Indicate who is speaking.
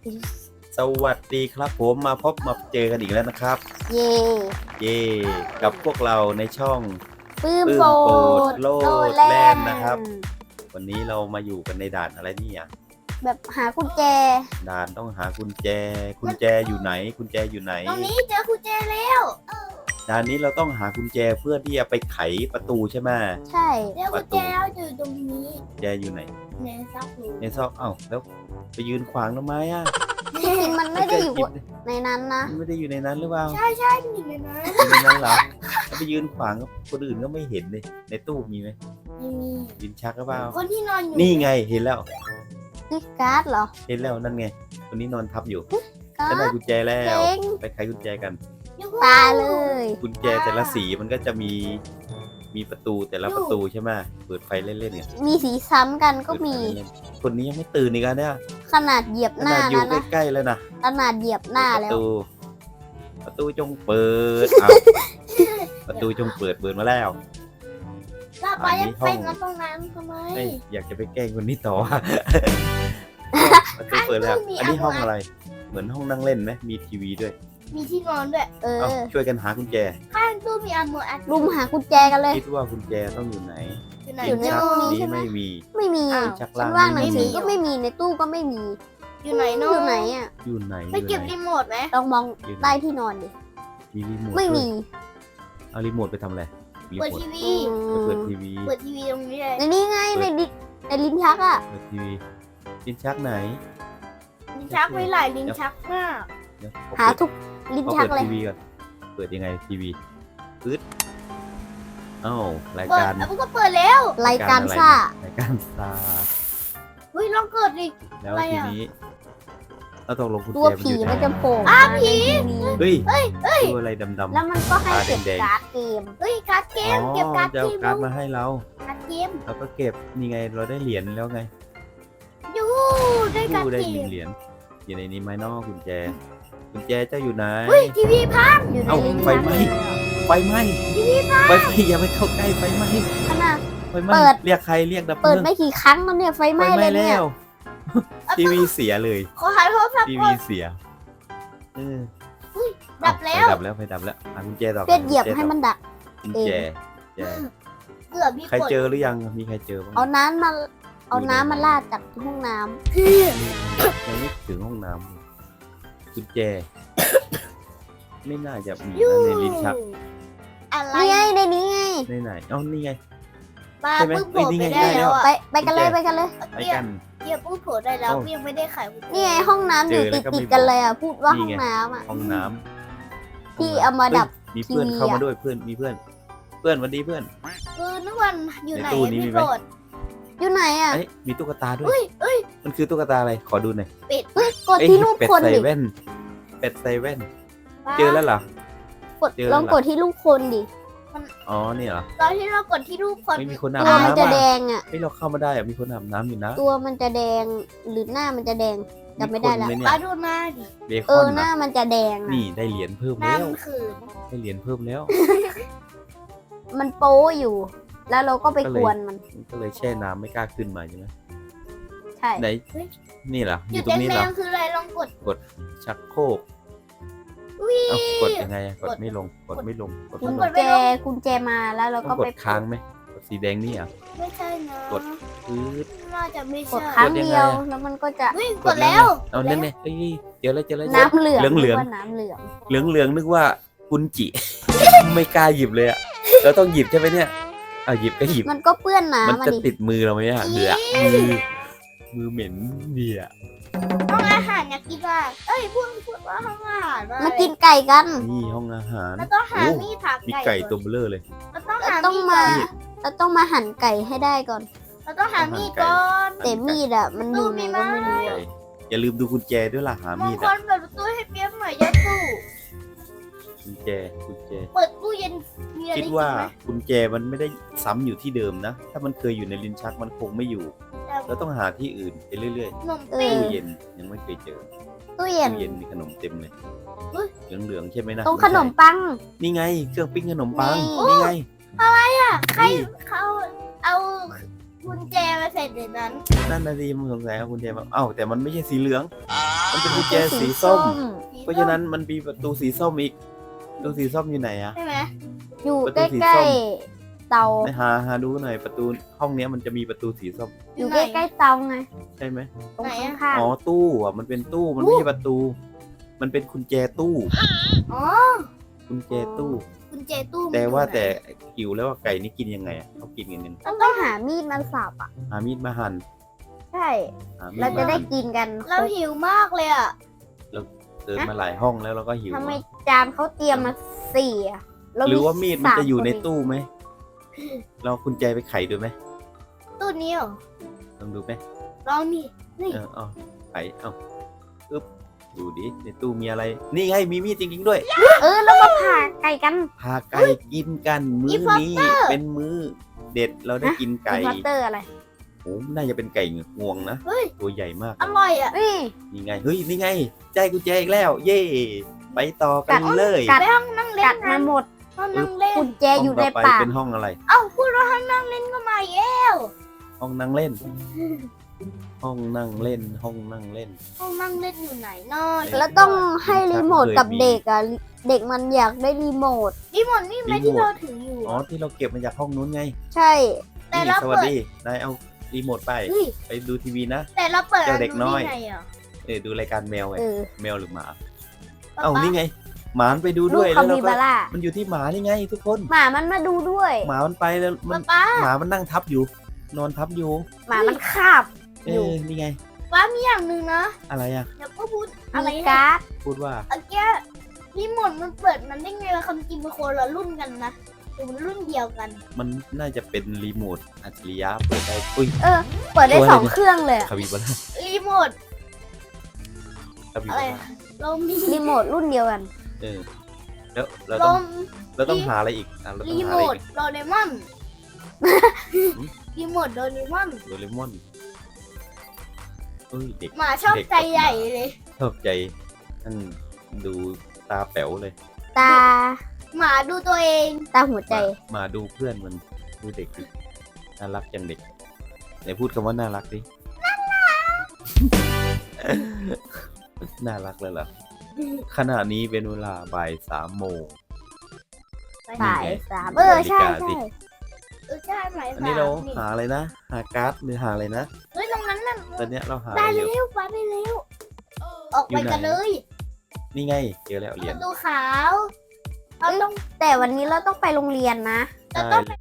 Speaker 1: สวัสดีครับผมมาเจอกันอีกแล้วนะครับ
Speaker 2: เย่
Speaker 1: เย่กับพวกเราในช่อง
Speaker 2: ปื้ม
Speaker 1: ปื้ม
Speaker 2: โป
Speaker 1: โปร
Speaker 2: ด
Speaker 1: ดโลด
Speaker 2: แล่
Speaker 1: แล่น
Speaker 2: น
Speaker 1: นะครับ วันนี้เรามาอยู่กันในด่านอะไรนี่อ่ะ
Speaker 2: แบบหากุญแจ
Speaker 1: ด่านต้องหากุญแจอยู่ไหนกุญแจอยู่ไหน
Speaker 3: ตรงนี้เจอกุญแจแล้ว
Speaker 1: ด่านนี้เราต้องหากุญแจเพื่อที่จะไปไขประตูใช่ไหม
Speaker 2: ใช่
Speaker 3: เจอกุญแจแล้วอยู่ตรงนี้
Speaker 1: กุญแจอยู่ไหน
Speaker 3: ในซักหนู
Speaker 1: ในซอกแล้วไปยืนขวางทำไมอ่ะ
Speaker 2: จริงๆมันไม่ได้อยู่ในนั้นนะ
Speaker 1: มันไม่ได้อยู่ในนั้นหรือเปล่า
Speaker 3: ใช่มันอยู่ในนั้น
Speaker 1: อยู่ในนั้นเหรอแล้วไปยืนขวางกับคนอื่นก็ไม่เห็นเลยในตู้มีไหม
Speaker 3: ไม่มี
Speaker 1: ยืนชักหรือเปล่า
Speaker 3: คนที่นอนอยู่
Speaker 1: นี่ไงเห็นแล้ว
Speaker 2: นี่การ์ดเหรอ
Speaker 1: เห็นแล้วนั่นไงคนนี้นอนทับอยู่
Speaker 2: การ
Speaker 1: ฉันได้
Speaker 2: ์ด
Speaker 1: กุญแจแล้ว
Speaker 2: เจ๋ง
Speaker 1: ไปไขกุญแจกัน
Speaker 3: อยู่
Speaker 2: ตาเลย
Speaker 1: กุญแจแต่ละสีมันก็จะมีประตูแต่ละประตูใช่ไหมเปิดไฟเล่นๆเนี่ย
Speaker 2: มีสีซ้ำกันก็
Speaker 1: เปิดไฟ
Speaker 2: มี
Speaker 1: เล่นๆคนนี้ยังไม่ตื่นอีกอ่ะเนี่ย
Speaker 2: ขนาดเหยียบ
Speaker 1: ข
Speaker 2: หน้า
Speaker 1: นาดอยู่
Speaker 2: นั้นนะ
Speaker 1: ใกล้ๆแล้วนะ
Speaker 2: ขนาดเหยียบหน้า
Speaker 1: ป
Speaker 2: แล้
Speaker 1: ระ
Speaker 2: ว
Speaker 1: ตูจงเปิดประตูจงเปิดมาแล้ว
Speaker 3: เราไป
Speaker 1: อันนี้ห้
Speaker 3: ไป
Speaker 1: อง
Speaker 3: กันตรงนั้นทำไม
Speaker 1: เอ้ยอยากจะไปแกล้งคนนี้ต่อ ประตูเปิดแล้ว อันนี้ห้องอะไร เหมือนห้องนั่งเล่นไหมมีทีวีด้วย
Speaker 3: มีที่นอนด้วย
Speaker 2: เอ
Speaker 1: เอา
Speaker 2: อ
Speaker 1: ช่วยกันหากุญแจ
Speaker 3: ข้างตู้มีอันโมอัน
Speaker 2: รุมหากุญแจกันเลย
Speaker 1: คิดว่ากุญแจต้องอยู่ไหน
Speaker 3: อยู่ไหน
Speaker 2: อยู่ใน
Speaker 1: ชัก
Speaker 2: ตู้นี้
Speaker 1: นี้
Speaker 2: ใช่ไหม
Speaker 1: ไม่มี
Speaker 2: ไม่มี
Speaker 3: อ้าว
Speaker 1: ชัก
Speaker 2: ชั้
Speaker 1: ล่าน ง
Speaker 2: ว่างหนั
Speaker 1: ไม่
Speaker 2: งสื
Speaker 1: มี
Speaker 2: อก็ไม่มีในตู้ก็ไม่มี
Speaker 3: อยู่ไหนเน
Speaker 2: อยู่ไหนอ่ะ
Speaker 1: อยู่ไหน
Speaker 3: ไปเก็บ
Speaker 1: อยู่
Speaker 3: รี
Speaker 1: ไหน
Speaker 3: โมทไหม
Speaker 2: ลองมอง
Speaker 1: อยู่ไหน
Speaker 2: ใต้ที่นอนดิ
Speaker 1: มีรีโมท
Speaker 2: ไม่
Speaker 1: ด้วย
Speaker 2: มี
Speaker 1: เอารีโมทไปทำอะไรรี
Speaker 3: เปิด
Speaker 1: โมท
Speaker 3: ทีวี
Speaker 1: ไปเปิดทีวี
Speaker 3: เปิดทีวีตรงนี้เลย
Speaker 2: ในนี้ไงในลิ้นชักอ่ะ
Speaker 1: เปิดทีวีลิ้นชักไหน
Speaker 3: ลิ้นชักไม่หลายลิ้นชักมาก
Speaker 1: เดี๋ยว
Speaker 2: หาทุกลิ้น
Speaker 1: เขา
Speaker 2: ชัก
Speaker 1: เปิด
Speaker 2: เลย
Speaker 1: ทีวีก่อนเปิดยังไงทีวีปึ๊ดเอ้าราย
Speaker 3: เปิด
Speaker 1: การ
Speaker 3: แล้วก็เปิดแล้ว
Speaker 2: รายการซ่าร
Speaker 1: ายการซ่า
Speaker 3: เฮ้ยลองเกิดดิ
Speaker 1: แล้ว
Speaker 3: อะไร
Speaker 1: ที
Speaker 3: อะ
Speaker 1: นี้เราต้องลงกุญ
Speaker 2: ตัว
Speaker 1: แจ
Speaker 2: ผี
Speaker 1: อยู่ไห
Speaker 2: มันจะโผล่
Speaker 3: อ้าว
Speaker 2: มา
Speaker 3: ผี
Speaker 2: ในทีวี
Speaker 1: เฮ้ยตัวอะไรดำๆ
Speaker 2: แล้วมันก็ให้เก็บ
Speaker 1: ตาแดงๆ
Speaker 2: การ์ดเกม
Speaker 3: เฮ้ยการ์ดเกมเก็บการ์ด
Speaker 1: จะ
Speaker 3: เก
Speaker 1: เอา
Speaker 3: ม
Speaker 1: การ์ดมาให้เรา
Speaker 3: การ์ดเกม
Speaker 1: เราก็เก็บนี่ไงเราได้เหรียญแล้วไง
Speaker 3: ยูได้การ์ด
Speaker 1: ได้
Speaker 3: เก
Speaker 1: หนึ่
Speaker 3: ม
Speaker 1: งเหรียญอยู่ในนี้ไหมเนอกกุญแจเจ้าอยู่ไหน
Speaker 3: เฮ้ยทีวีพัง
Speaker 2: อยู่ใน
Speaker 1: เอ้า
Speaker 2: ลิ้น
Speaker 1: ไฟ
Speaker 2: ชัก
Speaker 1: ไหม้
Speaker 2: เลยอะ
Speaker 1: ไฟไหม้ไฟอย่าไปเข้าใกล้ไฟไหม้
Speaker 2: ขนาด
Speaker 1: ไฟไหม้
Speaker 2: เปิด
Speaker 1: เรียกใครเรียกดับเพ
Speaker 2: เปิ
Speaker 1: ลิ
Speaker 2: ด
Speaker 1: ง
Speaker 2: ไม่กี่ครั้งแล้วเนี่ยไฟไหม้เลยเนี่ย
Speaker 1: แล้วทีวีเสียเลย
Speaker 3: ขอหาโทรศัพท์
Speaker 1: ที
Speaker 3: ก่
Speaker 1: วี
Speaker 3: อน
Speaker 1: เสียเออ
Speaker 3: ดับแล้ว
Speaker 1: ไฟดับแล้วหากุญแจต่อ
Speaker 2: เพื่อนเหยียบให้มันดัก
Speaker 1: กุญแจแจ
Speaker 3: เกือบมี
Speaker 1: ใคร
Speaker 3: กด
Speaker 1: เจอหรือยังมีใครเจอบ้าง
Speaker 2: เอาน้ำมาลาดจากห้องน้ำ
Speaker 1: ยังไม่ถึงห้องน้ำเลยกุญแจ ไม่น่าจะมีนะในลิ้นชัก
Speaker 3: อะไร
Speaker 2: นี่ไงในนี้ไง
Speaker 1: ในไหนเอ้านี่ไง
Speaker 3: ปลา
Speaker 1: ใช่ไหม
Speaker 3: เพิ่งโผล่
Speaker 1: เอ้ยนี่
Speaker 3: ไป
Speaker 1: ไง
Speaker 3: ได้
Speaker 1: ได้แล้
Speaker 3: แล้ว วอ่ะ
Speaker 2: ไปกันเลยไปกันเลย
Speaker 1: ไป
Speaker 3: เกีย
Speaker 1: กัน
Speaker 3: เกียเพิ่งโผล่ได้แล้ว
Speaker 1: เอ้า
Speaker 3: ยังไม่ได้ไขกุญแจ
Speaker 2: นี่ไงห้องน้ำอยู่
Speaker 1: เจอแล้
Speaker 2: ติ
Speaker 1: ว
Speaker 2: ด
Speaker 1: ก็ไม่
Speaker 2: ติดกัน
Speaker 1: บอก
Speaker 2: เลยอ่ะพูดว่า
Speaker 1: นี่
Speaker 2: ห้อง
Speaker 1: ไง
Speaker 2: น้ำอ่ะ
Speaker 1: ห้องน้ำ
Speaker 2: ที่เอามาดับ
Speaker 1: เฮ้ยมีเพื่อน
Speaker 2: ทีวี
Speaker 1: เข้ามา
Speaker 2: อะ
Speaker 1: ด้วยเพื่อนมีเพื่อนสวัสดีเพื่อน
Speaker 3: นึกวันอยู่ไหน
Speaker 1: ในตู้นี้มี
Speaker 3: พี่
Speaker 1: ไหม
Speaker 3: โกรธ
Speaker 2: อยู่ไหนอ่ะ
Speaker 1: เอ้ยมีตุ๊กตาด้วย
Speaker 3: เอ้ย
Speaker 1: มันคือตุ๊กตาอะไรขอดูหน่อย
Speaker 2: เฮ้ยกด
Speaker 1: เอ้ย
Speaker 2: ที่รูป
Speaker 1: เป็ด
Speaker 2: คน
Speaker 1: ใส่
Speaker 2: ดิ
Speaker 1: แว่นเป็ดใส่แว่น
Speaker 3: ปลา
Speaker 1: เจอแล้วเหรอ
Speaker 2: กด
Speaker 1: เจอแล้ว
Speaker 2: ลองกดที่รูปคนดิ
Speaker 1: อ๋อนี่เหรอ
Speaker 3: ตอนที่เรากดที่รูปคน
Speaker 1: ไม่มีคนอาบ
Speaker 2: ตัวมัน
Speaker 1: น้ำ
Speaker 2: จะแด
Speaker 1: อ่ะ
Speaker 2: งอ่ะ
Speaker 1: เฮ้ยเราเข้ามาได้อ่ะมีคนอาบน้ำอยู่นะ
Speaker 2: ตัวมันจะแดงหรือหน้ามันจะแดงจำไม่ได้ละ
Speaker 1: คนเลย
Speaker 3: ปลา
Speaker 1: เนี่ย
Speaker 3: ดูหน้าดิ
Speaker 1: เบค
Speaker 2: เอ
Speaker 1: อ
Speaker 2: อน หน้า
Speaker 1: นะ
Speaker 2: มันจะแดงอะ
Speaker 1: นี่ได้เหรียญเพิ่ม
Speaker 3: หน้า
Speaker 1: แล้ว
Speaker 3: มันขืน
Speaker 1: ได้เหรียญเพิ่มแล้ว
Speaker 2: มันโป๊อยู่ แล้วเราก็ไป
Speaker 1: ก็เลย
Speaker 2: กวนมัน
Speaker 1: มันก็เลยแช่น้ำไม่กล้าขึ้นมาใช่ไหม
Speaker 2: ใช่
Speaker 1: ไหนนี่เหรออ
Speaker 3: อยู่ ยู่
Speaker 1: ตรงนี้
Speaker 3: แด
Speaker 1: เหรอง
Speaker 3: ๆคืออะไรลองกด
Speaker 1: ชักโครก
Speaker 3: วิ
Speaker 1: เอ้ากดยังไงอะกดไม่ลงกดไม่ลงกด
Speaker 2: กุ
Speaker 1: ไม่
Speaker 2: ญ
Speaker 1: ลง
Speaker 2: กุญแจมาแล้วเรา
Speaker 1: ต้
Speaker 2: ก็
Speaker 1: องก
Speaker 2: ไป
Speaker 1: ดค้างไหมกดสีแดงนี่อ่ะ
Speaker 3: ไม่ใช่นะ
Speaker 1: กด ปื๊ด
Speaker 3: น่าจะไม่
Speaker 2: ก
Speaker 3: ใช่
Speaker 2: ดครั้ง
Speaker 1: กดยังไง
Speaker 2: เดียว
Speaker 1: อะ
Speaker 2: แล้วมันก็จะ
Speaker 3: วิ่งกดแล้ว
Speaker 1: เอานั่นไงเอ้ยเจอแล้วเจอแล้ว
Speaker 2: น้ำเหลือง
Speaker 1: เหลือง
Speaker 2: ว่าน้ำเหลือง
Speaker 1: เหลืองเหลืองนึกว่ากุนจิ ไม่กล้าหยิบเลยอ่ะเราต้องหยิบใช่ไหมเนี่ยเอาหยิบก็หยิบ
Speaker 2: มันก็เปื้อน
Speaker 1: มัน
Speaker 2: น้ำมา
Speaker 1: จะ
Speaker 2: ดิ
Speaker 1: ติดมือเราไหมอ่ะเหลือมือเหม็นเดีย
Speaker 3: ห้องอาหารอยากกินว่าเอ้ยพูดว่าห้องอาหารว่า
Speaker 2: มากินไก่กัน
Speaker 1: นี่ห้องอาหาร
Speaker 3: เราต้องหา
Speaker 1: โอ้
Speaker 3: มีดถาก
Speaker 1: มี
Speaker 3: ไก่
Speaker 1: ไก่ตัวเบลอเลย
Speaker 3: เราต้อง
Speaker 2: เรา
Speaker 3: หา
Speaker 2: ต้อง
Speaker 3: มีด
Speaker 2: มา
Speaker 3: ก่อน
Speaker 2: เราต้องมาหั่นไก่ให้ได้ก่อน
Speaker 3: เราต้องหามีดก่อน
Speaker 2: แต่มีดอ่ะมันอยู่ไหนก็ไม่รู้
Speaker 1: ไก่อย่าลืมดูกุญแจด้วยล่ะหาม
Speaker 3: ง
Speaker 1: มีด
Speaker 3: ค
Speaker 1: อ่ะ
Speaker 3: ลเปิดประตูให้เปี๊ยกหน่อยยัดตู้
Speaker 1: กุญแจ
Speaker 3: เปิดตู้เย็นมีอะไร
Speaker 1: คิด
Speaker 3: กิน
Speaker 1: ว่า
Speaker 3: ไหม
Speaker 1: กุญแจมันไม่ได้ซ้ำอยู่ที่เดิมนะ ถ้ามันเคยอยู่ในลิ้นชักมันคงไม่อยู่ เราต้องหาที่อื่นไปเรื่อย
Speaker 3: ขนม
Speaker 2: เอ
Speaker 3: ปิ้
Speaker 1: ๆ
Speaker 3: ง
Speaker 1: ตู้เย็นยังไม่เคยเจอ
Speaker 2: ตู้เย็น
Speaker 1: ตู้เย็นมีขนมเต็มเลยเหลืองๆใช่ไหมนะ
Speaker 2: ตรงขนมปัง
Speaker 1: นี่ไงเครื่องปิ้งขนมปัง
Speaker 2: นี่
Speaker 1: นี่ไง
Speaker 3: ใครเขาเอากุญแจมาใส่ในนั้น
Speaker 1: นั่นนาทีมันสงสัยเอากุญแจมาเอ้าแต่มันไม่ใช่สีเหลืองมันเป็นกุญแจสีส้ม เพราะฉะนั้นมันมีประตูสีส้มอีกประตูสีส้มอยู่ไหนอะ
Speaker 3: ใช่ไหม
Speaker 2: อยู่
Speaker 1: ประ
Speaker 2: ใก
Speaker 1: ตูสีส้
Speaker 2: ล้
Speaker 1: ม
Speaker 2: ๆเตา
Speaker 1: ไปหาดูหน่อยประตูห้องเนี้ยมันจะมีประตูสีส้ม
Speaker 2: อยู่ใกล้ๆเตาไง
Speaker 1: ใช่ไหม
Speaker 2: ตรงข้าง
Speaker 1: อ๋อตู้อ่ะมันเป็นตู้มันไม่ใช่ประตู มันเป็นกุญแจตู้
Speaker 3: อ๋อ
Speaker 1: กุญแจตู้
Speaker 3: กุญแจตู้มัน
Speaker 1: แต่ว่า
Speaker 3: อยู่ไหน
Speaker 1: แต่หิวแล้วว่าไก่นี่กินยังไงอะเขากินกันยังไง
Speaker 2: ๆต้องต้องหามีดมาสับอ่ะ
Speaker 1: หามีดมาหั่น
Speaker 2: ใช่
Speaker 1: หามีด
Speaker 2: เราจะ
Speaker 1: มา
Speaker 2: ได้
Speaker 1: หั่น
Speaker 2: กินกัน
Speaker 3: เราหิวมากเลยอ่ะ
Speaker 1: เดินมาหลายห้องแล้วเราก็หิว
Speaker 2: ทำไม
Speaker 1: อะ
Speaker 2: จานเขาเตรียมมาสี่อ่ะเ
Speaker 1: หรือว่ามีดมันจะอยู่ใน
Speaker 2: 3
Speaker 1: ตู้ไหมเรากุญแจไปไขดูไหม
Speaker 3: ตู้นี้เหรอ
Speaker 1: ลองดูไหม
Speaker 3: ลองนี่นี่
Speaker 1: เอาไขเอาอึ๊บดูดิในตู้มีอะไร นี่ไงมีมีดจริงๆด้วย
Speaker 2: แล้วก็ผ่าไก่กัน
Speaker 1: พาไก่กินกันมื้อนี้เป็นมื้อเด็ดเราได้กินไก่
Speaker 2: อินพอร์เตอร์อะไร
Speaker 1: โอ้น่าจะเป็นไก่งวงนะ
Speaker 3: เฮ้ย
Speaker 1: ตัวใหญ่มาก
Speaker 3: อร่อยอ่ะ
Speaker 2: นี่
Speaker 1: นี่ไงเฮ้ยนี่ไงใจกุญแจอีกแล้ว เย่ไปต่อกันเลย
Speaker 2: กัด
Speaker 3: ไปห้องนั่งเล่
Speaker 2: กั
Speaker 3: น
Speaker 2: ด
Speaker 3: นะ
Speaker 2: มาหมด
Speaker 3: ห้องนั่งเล่น
Speaker 2: กุญแจอยู่ใน
Speaker 1: ห้งต่
Speaker 2: ปาก
Speaker 1: เป็นห้องอะไร
Speaker 3: เอ้าพูดว่าห้องนั่งเล่นก็มาเย้
Speaker 1: ห้องนั่งเล่น ห้องนั่งเล่น ห้องนั่งเล่น
Speaker 3: ห้องนั่งเล่นอยู่ไหนนอน
Speaker 2: แล้วต้องให้รีโมทกับเด็กอ่ะ เด็กมันอยากได้รีโมท
Speaker 3: รีโมทนี่ไหม
Speaker 1: รีโมท
Speaker 3: ที่เราถืออยู่
Speaker 1: อ๋อที่เราเก็บมาจากห้องนู้นไง
Speaker 2: ใช่
Speaker 3: แต่
Speaker 1: นี่
Speaker 3: เรา
Speaker 1: สวัส
Speaker 3: เปิด
Speaker 1: ดีนายเอารีโมทไป
Speaker 3: เฮ้ย
Speaker 1: ไปดูทีวีนะ
Speaker 3: แต่เราเปิด
Speaker 1: เจ้าเด็กน้อย
Speaker 3: ดูได้ไงอ่ะ
Speaker 1: ดูรายการแมวไง แมวหรือหมา
Speaker 3: ป๊า
Speaker 1: เอ้า
Speaker 3: ป๊า
Speaker 1: นี่ไง หมามันไปดู
Speaker 2: ลู
Speaker 1: ด้
Speaker 2: ก
Speaker 1: วย
Speaker 2: คา
Speaker 1: แล้วเรา
Speaker 2: บิ
Speaker 1: ก็
Speaker 2: บาร่า
Speaker 1: มันอยู่ที่หมานี่ไง ทุกคน
Speaker 2: หมามันมาดูด้วย
Speaker 1: หมามันไปแล้วมั
Speaker 3: ป๊าน ป๊า
Speaker 1: หมามันนั่งทับอยู่ นอนทับอยู่
Speaker 2: หมามันคาบ อยู่
Speaker 1: นี่ไง
Speaker 3: ป๊ามีอย่างหนึ่งนะ
Speaker 1: อะไรอะ
Speaker 3: เดี๋ยวก็พูดอะไร
Speaker 2: มี
Speaker 3: นะ
Speaker 2: การ์ด
Speaker 1: พูดว่า
Speaker 3: เมื่อกี้รีโมทมันเปิดมันได้ไงวะคำจริงมันคนละรุ่นกันนะหรือมันรุ่นเดียวกัน
Speaker 1: มันน่าจะเป็นรีโมทอัจฉริยะเปิดได้อุ้ย
Speaker 2: เปิดได้
Speaker 1: ตัวอะไร
Speaker 2: สอง
Speaker 1: เนี่ย
Speaker 2: เครื่องเลยอะ
Speaker 1: คาบิบาร่า
Speaker 3: รีโมท
Speaker 1: คาบิ
Speaker 3: อะ
Speaker 1: บา
Speaker 3: ไร
Speaker 1: ร่า
Speaker 3: เรามี
Speaker 2: รีโมทรุ่นเดียวกัน
Speaker 1: เออแล้วเรา
Speaker 3: ล
Speaker 1: ต้อง
Speaker 3: ม
Speaker 1: เราต้องหาอะไรอีกเราต้อ
Speaker 3: รี
Speaker 1: งหา
Speaker 3: โม
Speaker 1: อะไร
Speaker 3: ท
Speaker 1: อีก
Speaker 3: โดเรมอนรีโมทโดเรมอน
Speaker 1: โดเรมอนเอ้ยเด็ก
Speaker 3: หมาชอบใจใหญ่เลย
Speaker 1: ชอบใจนั่นดูตาแป๋วเลย
Speaker 2: ตา
Speaker 3: หมาดูตัวเอง
Speaker 2: ตาหัวใจ
Speaker 1: มาดูเพื่อนมันดูเด็กดิน่ารักจังเด็กไหนพูดคำว่าน่ารักดิน่ารักเลยเหรอขณะนี้เป็นเวลาบ่าย3 โมง
Speaker 2: สาย
Speaker 1: นี่ไง
Speaker 2: สาม
Speaker 1: ดู
Speaker 2: ใช่
Speaker 1: นาฬิกาสิ
Speaker 2: ใช่
Speaker 3: ใช่ไหม
Speaker 1: อันนี้เราหาอะไรนะ หาการ์ดหรือหาอะไรนะ
Speaker 3: เฮ้ยตรงนั้นน่ะ
Speaker 1: ตอนเนี้ยเราหาอะ
Speaker 3: ได้
Speaker 1: ไรอยู่
Speaker 3: เร็วไปไปเร็วออก
Speaker 1: อยู่
Speaker 3: ไป
Speaker 1: ไหน
Speaker 3: กันเลย
Speaker 1: นี่ไงเจอแล้วเห
Speaker 3: ป
Speaker 1: รียญ
Speaker 3: ระตูขาวเราต้อง
Speaker 2: แต่วันนี้เราต้องไปโรงเรียนนะ
Speaker 3: เราต้องไป